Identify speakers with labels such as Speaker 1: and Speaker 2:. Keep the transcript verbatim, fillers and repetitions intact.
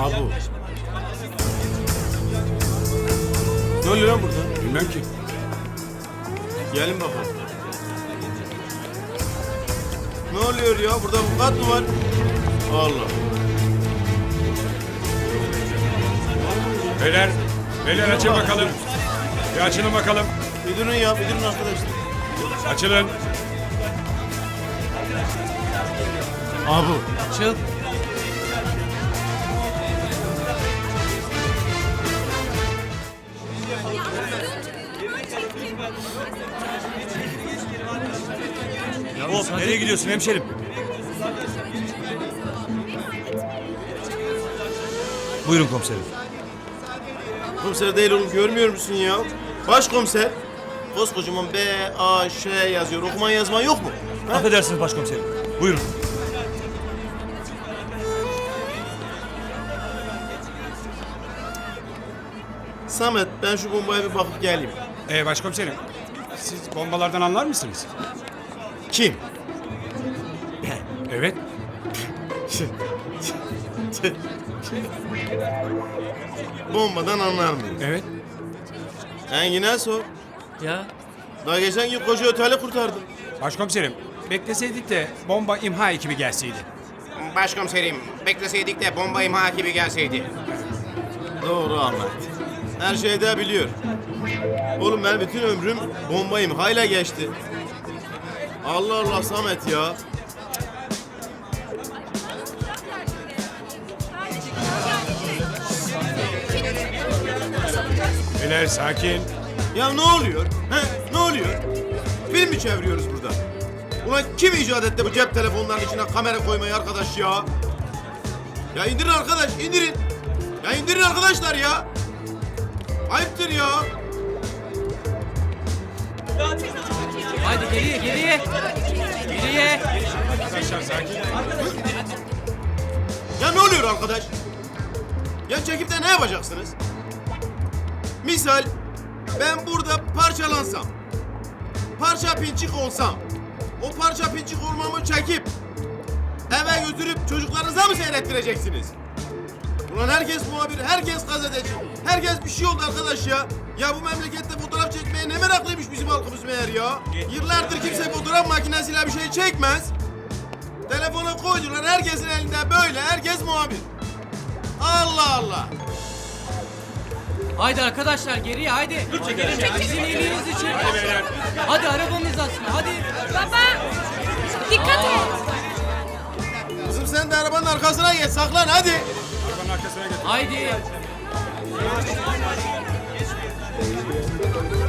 Speaker 1: Abu. Ne oluyor lan burada?
Speaker 2: Bilmem ki.
Speaker 1: Gelin bakalım. Ne oluyor ya? Burada vukuat mı var? Allah.
Speaker 2: Beyler, beyler açın bakalım. Bir açılın bakalım.
Speaker 1: Bir durun ya, bir durun arkadaşlar.
Speaker 2: Açılın.
Speaker 1: Abu.
Speaker 3: Açıl.
Speaker 2: Hop, nereye gidiyorsun hemşerim? Buyurun komiserim.
Speaker 1: Komiser değil oğlum, görmüyor musun ya? Başkomiser. Koskocaman B, A, Ş yazıyor. Okuman yazman yok mu? Ha?
Speaker 2: Affedersiniz başkomiserim. Buyurun.
Speaker 1: Samet, ben şu bombaya bir bakıp geleyim.
Speaker 2: Ee, başkomiserim, siz bombalardan anlar mısınız?
Speaker 1: Kim?
Speaker 2: Evet.
Speaker 1: Bombadan anlar mıyım?
Speaker 2: Evet.
Speaker 1: Engin'e sor.
Speaker 3: Ya.
Speaker 1: Daha geçen gün koca oteli kurtardım.
Speaker 2: Başkomiserim, bekleseydik de bomba imha ekibi gelseydi.
Speaker 4: Başkomiserim, bekleseydik de bomba imha ekibi gelseydi.
Speaker 1: Doğru Ahmet. Her şeyi de biliyor. Oğlum ben bütün ömrüm bomba imhayla geçti. Allah Allah Samet ya.
Speaker 2: Beyler sakin.
Speaker 1: Ya ne oluyor? He? Ne oluyor? Film mi çeviriyoruz burada? Ulan kim icat etti bu cep telefonlarının içine kamera koymayı arkadaş ya? Ya indirin arkadaş, indirin. Ya indirin arkadaşlar ya. Ayıptır ya.
Speaker 3: Haydi geriye geriye. Geriye.
Speaker 2: Arkadaşlar sakin.
Speaker 1: Ya ne oluyor arkadaş? Ya çekip de ne yapacaksınız? Misal ben burada parçalansam, parça pinçik olsam, o parça pinçik olmamı çekip eve götürüp çocuklarınıza mı seyrettireceksiniz? Ulan herkes muhabir, herkes gazeteci, herkes bir şey oldu arkadaş ya. Ya bu memlekette fotoğraf çekmeye ne meraklıymış bizim halkımız meğer ya. Yıllardır kimse fotoğraf makinesiyle bir şey çekmez. Telefona koydular, herkesin elinde böyle, herkes muhabir. Allah Allah.
Speaker 3: Haydi arkadaşlar geriye haydi. Dur çekelim. Sizin iyiliğiniz için.
Speaker 2: Hadi beyler.
Speaker 3: Hadi arabanın hizasına hadi.
Speaker 5: Baba, dikkat et.
Speaker 1: Kızım sen de arabanın arkasına geç, saklan hadi.
Speaker 2: Arabanın arkasına geç.
Speaker 3: Haydi.